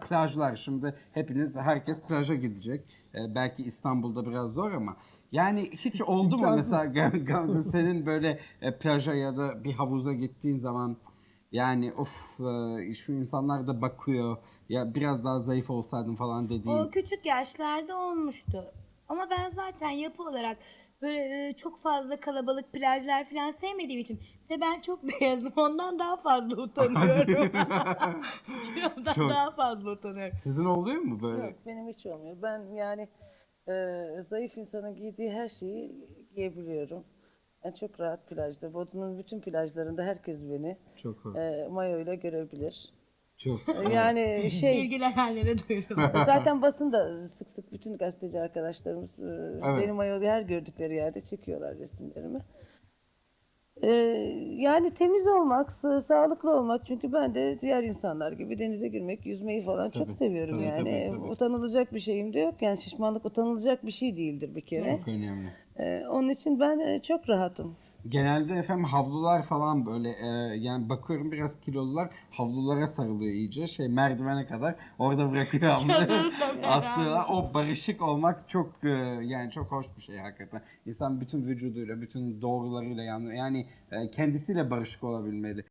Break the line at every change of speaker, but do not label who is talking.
plajlar. Şimdi herkes plaja gidecek. Belki İstanbul'da biraz zor ama. Yani hiç oldu mu
İmkansız.
mesela Gamze senin böyle plaja ya da bir havuza gittiğin zaman yani of şu insanlar da bakıyor ya biraz daha zayıf olsaydım falan
O
dediğin.
küçük yaşlarda olmuştu. Ama ben zaten yapı olarak böyle çok fazla kalabalık plajlar falan sevmediğim için bir de ben çok beyazım ondan daha fazla utanıyorum. Kilomdan
Çok.
daha fazla utanıyorum.
Sizin oluyor mu böyle?
Yok, benim hiç olmuyor. Ben yani zayıf insanın giydiği her şeyi giyebiliyorum. Ben çok rahat plajda. Bodrum'un bütün plajlarında herkes beni
Çok hoş.
mayo ile görebilir.
Çok. Evet.
Yani şey,
İlgilenenlere duyurulur.
zaten basında sık sık bütün gazeteci arkadaşlarımız
Evet.
benim mayolu her gördükleri yerde çekiyorlar resimlerimi. Ee, Yani temiz olmak, sağlıklı olmak. Çünkü ben de diğer insanlar gibi denize girmek, yüzmeyi falan çok
Tabii,
seviyorum
tabii, tabii,
yani.
tabii.
Utanılacak bir şeyim de yok. Yani şişmanlık utanılacak bir şey değildir bir kere.
Çok önemli.
Onun için ben çok rahatım.
Genelde efendim havlular falan böyle yani bakıyorum biraz kilolular havlulara sarılıyor iyice merdivene kadar orada bırakıyor havluları
Çadırla beraber.
atlıyorlar. O barışık olmak çok yani çok hoş bir şey hakikaten. İnsan bütün vücuduyla, bütün doğrularıyla yani kendisiyle barışık olabilmeli.